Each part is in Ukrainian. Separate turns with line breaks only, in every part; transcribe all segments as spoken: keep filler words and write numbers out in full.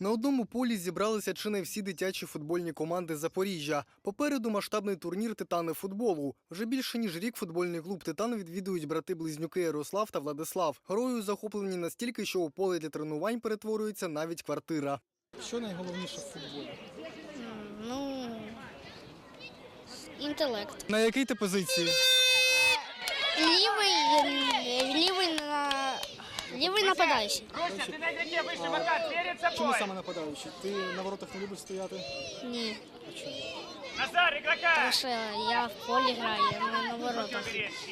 На одному полі зібралися чи не всі дитячі футбольні команди Запоріжжя. Попереду масштабний турнір «Титани футболу». Вже більше ніж рік футбольний клуб «Титан» відвідують брати-близнюки Ярослав та Владислав. Грою захоплені настільки, що у поле для тренувань перетворюється навіть квартира. Що найголовніше в футболі?
Ну, інтелект.
На якій ти позиції?
Лівий, лівий на лівий нападаючий.
Чому саме нападаючий? Ти на воротах не любиш стояти?
Ні.
А чому?
Тому що я в полі граю, не на воротах.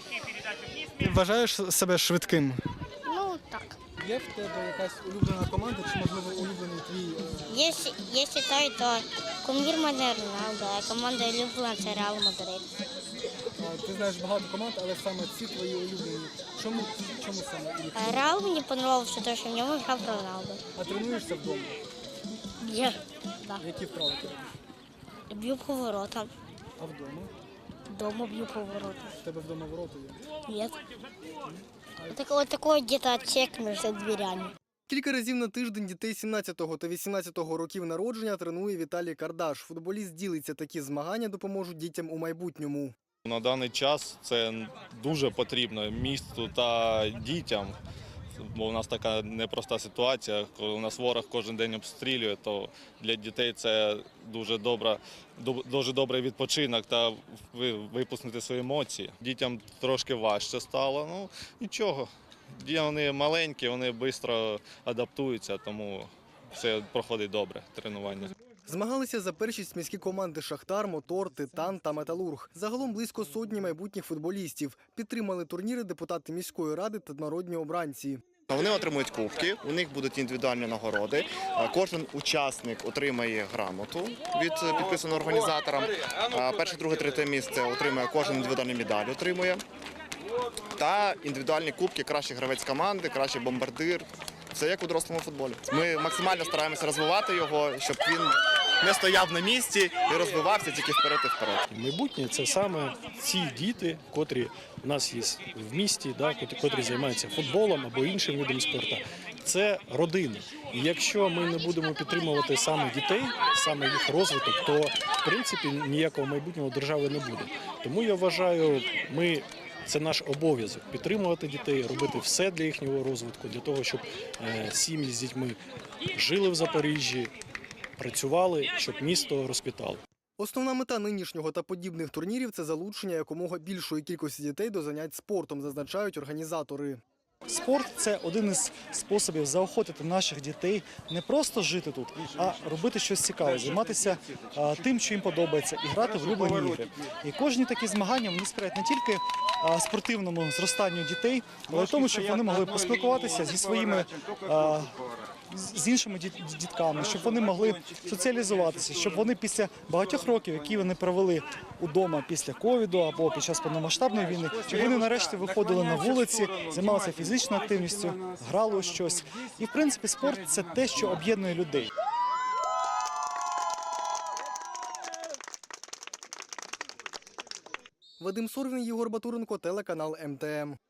Ти вважаєш себе швидким?
Ну, так.
Є в тебе якась улюблена команда чи, можливо, улюблений твій?
Я, я вважаю, то кумір мене Роналдо, а команда улюблена – це Реал Мадрид.
Ти знаєш багато команд, але саме ці твої улюблені. Чому, чому саме?
А Реал мені подобався, тому що в ньому грав Роналдо.
А тренуєшся вдома?
Я, так.
Які вправи ти робиш?
Б'ю по воротам.
А вдома?
Дома б'ю по воротам.
В тебе вдома ворота є?
Нет. Вот такой, такой где-то отсек между дверями.
Кілька разів на тиждень дітей сімнадцятого та вісімнадцятого років народження тренує Віталій Кардаш. Футболіст ділиться, такі змагання допоможуть дітям у майбутньому.
На даний час це дуже потрібно місту та дітям, бо у нас така непроста ситуація, коли у нас ворог кожен день обстрілює, то для дітей це дуже добра, дуже добрий відпочинок та випустити свої емоції. Дітям трошки важче стало, ну нічого. Вони маленькі, вони швидко адаптуються, тому все проходить добре, тренування.
Змагалися за першість міські команди «Шахтар», «Мотор», «Титан» та «Металург». Загалом близько сотні майбутніх футболістів. Підтримали турніри депутати міської ради та народні обранці.
Вони отримують кубки, у них будуть індивідуальні нагороди. Кожен учасник отримає грамоту від підписаного організатором. Перше, друге, третє місце отримує кожен індивідуальні медалі отримує. Та індивідуальні кубки, кращий гравець команди, кращий бомбардир. Це як у дорослому футболі. Ми максимально стараємося розвивати його, щоб він не стояв на місці і розвивався тільки вперед і вперед.
Майбутнє – це саме ці діти, котрі у нас є в місті, да, котрі займаються футболом або іншим видом спорту. Це родини. І якщо ми не будемо підтримувати саме дітей, саме їх розвиток, то в принципі ніякого майбутнього держави не буде. Тому я вважаю, ми це наш обов'язок – підтримувати дітей, робити все для їхнього розвитку, для того, щоб сім'ї з дітьми жили в Запоріжжі, працювали, щоб місто розквітало.
Основна мета нинішнього та подібних турнірів – це залучення якомога більшої кількості дітей до занять спортом, зазначають організатори.
Спорт – це один із способів заохотити наших дітей не просто жити тут, а робити щось цікаве, займатися а, тим, що їм подобається, і грати в улюблені ігри. І кожні такі змагання вони сприяють не тільки а, спортивному зростанню дітей, але й тому, щоб вони могли поспілкуватися зі своїми а, з іншими дітками, щоб вони могли соціалізуватися, щоб вони після багатьох років, які вони провели удома після ковіду або під час повномасштабної війни, щоб вони нарешті виходили на вулиці, займалися фізичною активністю, грали у щось. І, в принципі, спорт – це те, що об'єднує людей.
Вадим Сорвін, Єгор Батуренко, телеканал ем те ем.